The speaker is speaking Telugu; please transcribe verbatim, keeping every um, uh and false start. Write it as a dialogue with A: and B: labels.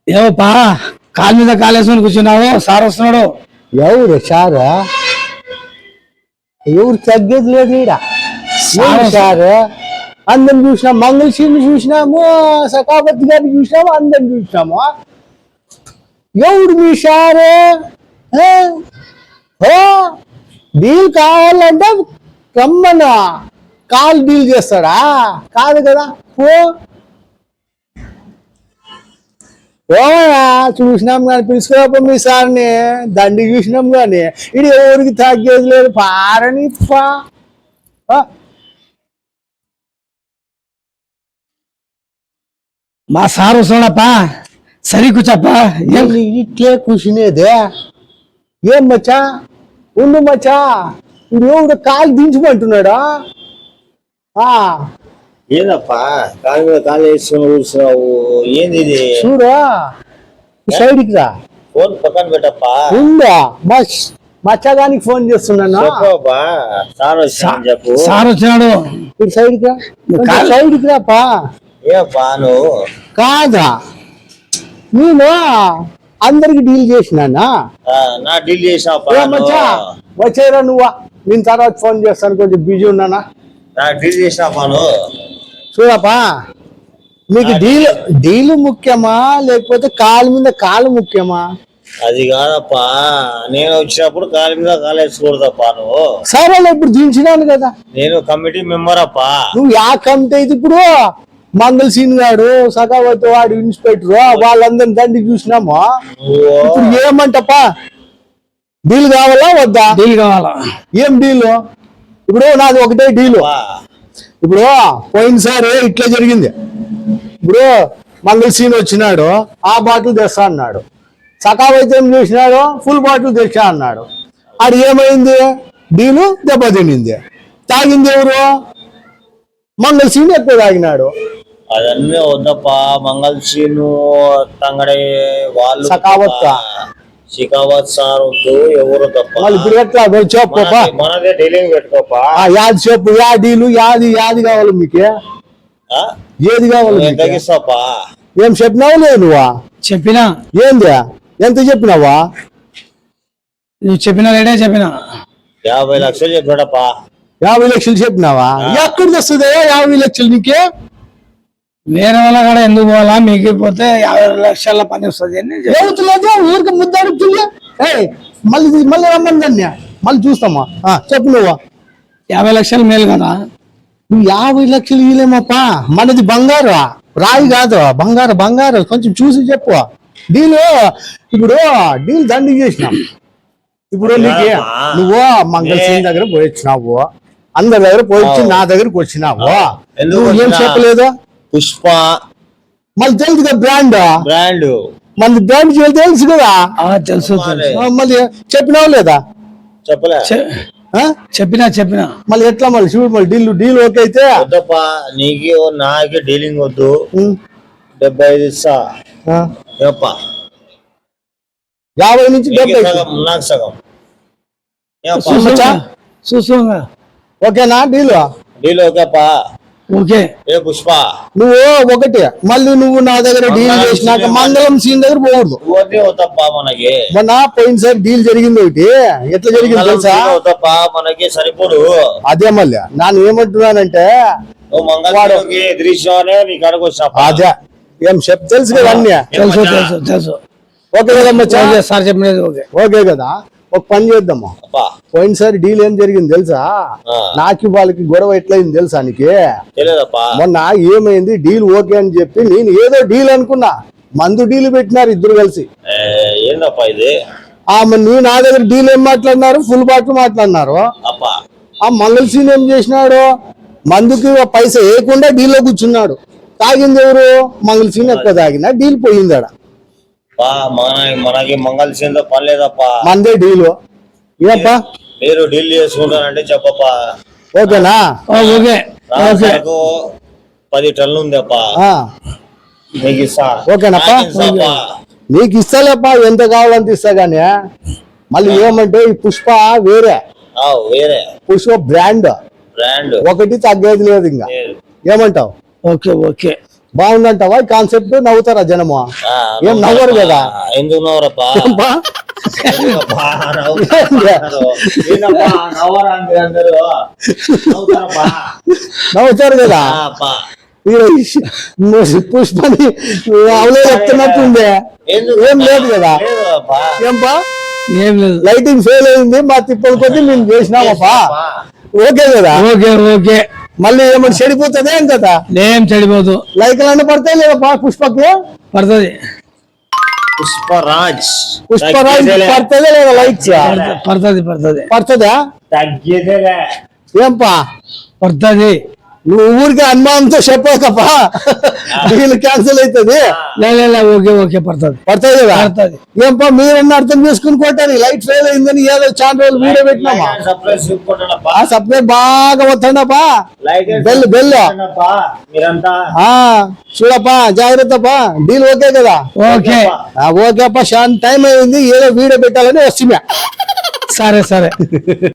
A: ఏవోపా కాలు మీద కాలేసుకొని కూర్చున్నావు, సార్ వస్తున్నాడు.
B: ఎవరు సారా? ఎవరు తగ్గేది లేదు ఈడ. సార్ అందరం చూసినాం, మంగళసీని చూసినాము, సఖాపతి గారిని చూసినాము, అందరం చూసినాము. ఎవరు మీ సారు? ఓ డీల్ కావాలంటే రమ్మన్నా, కాల్ డీల్ చేస్తాడా? కాదు కదా. ఓ ఓనా చూసినాం కానీ పిలుచుకోప మీ సార్ని, దండి చూసినాం కానీ ఇది ఎవరికి తగ్గేది లేదు. పారని
A: మా సార్ వస్తున్నాడప్పా, సరి కూర్చోప్పా.
B: ఇట్లే కూర్చునేదే. ఏం మచ్చా ఉండు మచ్చా, ఇప్పుడు ఎవరు కాలు దించమంటున్నాడా?
C: ఏందప్పా కాలు మీద కాలు వేసుకుని కూర్చున్నావు? ఏంది ఇది?
B: చూడా సైడ్కి రా,
C: ఫోన్ పక్కన పెట్టప్పా.
B: ఉందా బస్ మచ్చగానికి ఫోన్ చేస్తున్నాను.
C: చెప్పప్పా, సార్ వచ్చాను చెప్పు.
A: సార్ వచ్చినాడు.
B: ఇప్పుడు సైడ్కి రా, సైడ్కి రాపా.
C: ఏపా నువ్వు?
B: కాదా నేను అందరికి డీల్ చేసినానా?
C: నా డీల్ చేసినావు
B: మచ్చా వచ్చేరా నువ్వా, నేను తర్వాత ఫోన్ చేస్తాను, కొంచెం బిజీ ఉన్నానా.
C: నా డీల్ చేసినావా నువ్వు?
B: చూడపా, మీకు డీల్ డీల్ ముఖ్యమా లేకపోతే కాలు మీద కాలు ముఖ్యమా?
C: అది కాదప్పా, నేను వచ్చినప్పుడు కాలు మీద కాలు వేసుకోకూడదప్పా నువ్వు.
B: సరే ఇప్పుడు దించినాను కదా.
C: నేను కమిటీ మెంబర్ అప్పా.
B: నువ్వు యా కమిటీ అయితే ఇప్పుడు మంగళ సీన్ గాడు, సఖావతి వాడు, ఇన్స్పెక్టర్ వాళ్ళందరిని దండి చూసినాము. ఇప్పుడు ఏమంటప్పా, డీల్ కావాలా వద్దా?
A: డీల్ కావాలా?
B: ఏం డీలు? ఇప్పుడు నాది ఒకటే డీలు. ఇప్పుడు పోయినసారి ఇట్లా జరిగింది. ఇప్పుడు మంగళ సీన్ వచ్చినాడు, ఆ బాటిల్ తెస్తా అన్నాడు. సఖావతి ఏం చేసినాడు, ఫుల్ బాటిల్ తెచ్చా అన్నాడు. అది ఏమైంది? డీలు దెబ్బతినింది. తాగింది ఎవరు? మంగళ సీన్ ఎక్కువ తాగినాడు.
C: అదన్నీ వద్దప్పా, మంగళ సీను తంగడే వాళ్ళు
B: సఖావత్
C: షికావత్ సార్ వద్దు, ఎవరు తప్ప.
B: ఇప్పుడు ఎట్లా చెప్పు,
C: మనదే డీలింగ్ పెట్టుకోపా.
B: యాది చెప్పు, యా డీలు యాది యాది కావాలి మీకు? ఏది కావాలి?
C: తగ్గిస్తాపా.
B: ఏం చెప్పినావు? లేదు నువ్వా
A: చెప్పినా.
B: ఏంది ఎంత చెప్పినావా?
A: నువ్వు చెప్పిన రేటే చెప్పినా.
C: యాభై లక్షలు చెప్పాడప్పా.
B: యాభై లక్షలు చెప్పినావా? ఎక్కడ తెస్తుంది యాభై లక్షలు నీకే?
A: వేరే వాళ్ళ కాడ ఎందుకు పోవాలా, మీకు పోతే యాభై లక్షల పని వస్తుంది అని
B: లేదు. ఊరికి ముద్ద అడుగుతుంది. మళ్ళీ మళ్ళీ రమ్మని దాన్ని మళ్ళీ చూస్తామా? చెప్పు నువ్వు.
A: యాభై లక్షలు మేలు కదా.
B: నువ్వు యాభై లక్షలు ఇవ్వలేమప్పా, మనది బంగారు, రాయి కాదు, బంగారు బంగారు. కొంచెం చూసి చెప్పు. డీలు ఇప్పుడు డీల్ దండి చేసినాం. ఇప్పుడు నీకు నువ్వు మంగళ సీన్ దగ్గర పోయిచ్చినావు, అందరి దగ్గర పోయిచ్చి నా దగ్గరకు వచ్చినావు. నువ్వు ఏం చెప్పలేదు?
C: పుష్ప
B: మళ్ళీ తెలుసు కదా బ్రాండ్,
C: బ్రాండ్
B: మళ్ళీ బ్రాండ్ తెలుసు కదా.
A: తెలుసు.
B: మళ్ళీ చెప్పినావు లేదా?
C: చెప్పలే.
A: చెప్పినా చెప్పినా
B: మళ్ళీ ఎట్లా మళ్ళీ చూడు, మళ్ళీ డీల్ డీల్ ఓకే అయితే
C: వద్దప్పా, నీకు నాకే డీలింగ్ వద్దు. డెబ్బై ఐదు ఇస్తా.
B: యాభై నుంచి డెబ్బై
C: నాకు సగం.
A: చూసు
B: ఓకేనా డీల్?
C: డీల్ ఓకేపా.
A: ఓకే.
C: ఏ పుష్ప
B: నువ్వు ఒకటి మళ్ళీ నువ్వు నా దగ్గర డీల్ చేసినాక మంగళం సీన్ దగ్గర పోకూడదు.
C: మనకి
B: మొన్న పోయినసారి డీల్ జరిగింది ఒకటి. ఎట్లా జరిగింది తెలుసా?
C: మనకి సరిపోదు.
B: అదే మళ్ళీ నేను ఏమంటున్నానంటే, అదే ఏం చెప్ తెలుసు కదా అన్ని.
A: తెలుసు తెలుసు తెలుసు.
B: ఓకే కదమ్మా
A: సార్ చెప్పినది ఓకే.
B: ఓకే కదా. ఒక పని చేద్దామా, పోయినసారి డీల్ ఏం జరిగింది తెలుసా? నాకు వాళ్ళకి గొడవ ఎట్లయింది తెలుసా నీకు? మొన్న ఏమైంది, డీల్ ఓకే అని చెప్పి నేను ఏదో డీల్ అనుకున్నా, మందు డీల్ పెట్టినారు ఇద్దరు కలిసి. నువ్వు నా దగ్గర డీల్ ఏం మాట్లాడినారు, ఫుల్ బాటిల్ మాట్లాడినారు. ఆ మంగళ సీన్ ఏం చేసినాడు, మందుకి పైసా వేయకుండా డీల్లో కూర్చున్నాడు. తాగింది ఎవరు? మంగళ సీన్ ఎక్కువ తాగినా డీల్ పోయింది. ఆడ
C: మనకి మంగళ సీన్ తో పని లేదప్పా,
B: మందే డీలు. ఏప్పా
C: మీరు డీల్ చేసుకుంటానంటే చెప్పప్పా.
B: ఓకేనా? ఓకే.
C: పది టన్నులు ఉంది అప్పా, నీకు ఇస్తా.
B: ఓకేనప్పా, నీకు ఇస్తాలేప్పా, ఎంత కావాలంత ఇస్తా. గానీ మళ్ళీ ఏమంటే ఈ పుష్ప వేరే
C: వేరే
B: పుష్ప బ్రాండ్
C: బ్రాండ్
B: ఒకటి తగ్గేది లేదు. ఇంకా ఏమంటావు?
A: Okay okay.
B: బాగుందంటావా ఈ కాన్సెప్ట్? నవ్వుతారా జనము?
C: ఆ,
B: ఏం నవ్వరు కదా?
C: ఎందుకు నవ్వరప్పా?
B: బా,
C: ఎందుకప్పా? నవ్వుతారు. ఏందప్పా నవ్వరా మీరు అందరూ? నవ్వుతారప్పా?
B: నవ్వుతారు కదా?
C: ఆ, అప్పా.
B: మీరు పుష్పని అవలే చెప్తున్నట్టుందే.
C: ఎందుకు?
B: ఏం లేదు కదా?
C: లేదు అప్పా.
B: ఏంపా
A: ఏం లేదు.
B: లైటింగ్ ఫెయిల్ అయింది, మా తిప్పల కొద్ది మేము చేసినామప్పా.
C: అప్పా.
B: ఓకే కదా?
A: ఓకే ఓకే,
B: మళ్ళీ ఏమన్నా చెడిపోతుంది ఏం కదా?
A: ఏం చెడిపోదు,
B: లైకులన్నీ పడతాయి లేదా పుష్పకి?
A: పడుతుంది
C: పుష్పరాజ్
B: పుష్పరాజ్
C: తగ్గేదేలే.
B: పడుతుందా లేదా లైక్స్?
A: పడుతుంది పడుతుంది
B: పడుతుందా?
C: తగ్గేదేలే.
B: ఏంపా
A: పడుతుంది.
B: నువ్వు ఊరికి అనుమానంతో చెప్పకప్పా, డీల్ క్యాన్సిల్ అవుతుంది.
A: లే లే, లే, ఓకే ఓకే, పడుతుంది
B: పడుతుంది కదా?
A: పడుతుంది.
B: ఏంపా మీరన్నా అర్థం చేసుకుని కొట్టారు, లైట్ ఫెయిల్ అయిందని ఏదో చాలా రోజులు వీడియో పెట్టినామా?
C: లైట్ సప్లై చూపుకుంటానప్పా.
B: ఆ సప్లై బాగా వస్తుండపా.
C: లైట్
B: బెల్ బెల్
C: చూపుకుంటానప్పా. మీరంతా
B: ఆ చూడప్పా, జాగ్రత్తపా. డీల్ ఓకే కదా?
A: ఓకే,
B: ఆ, ఓకే అప్పా. షాన్ టైం అయింది, ఏదో వీడియో పెట్టాలని వస్తున్నా.
A: సరే సరే.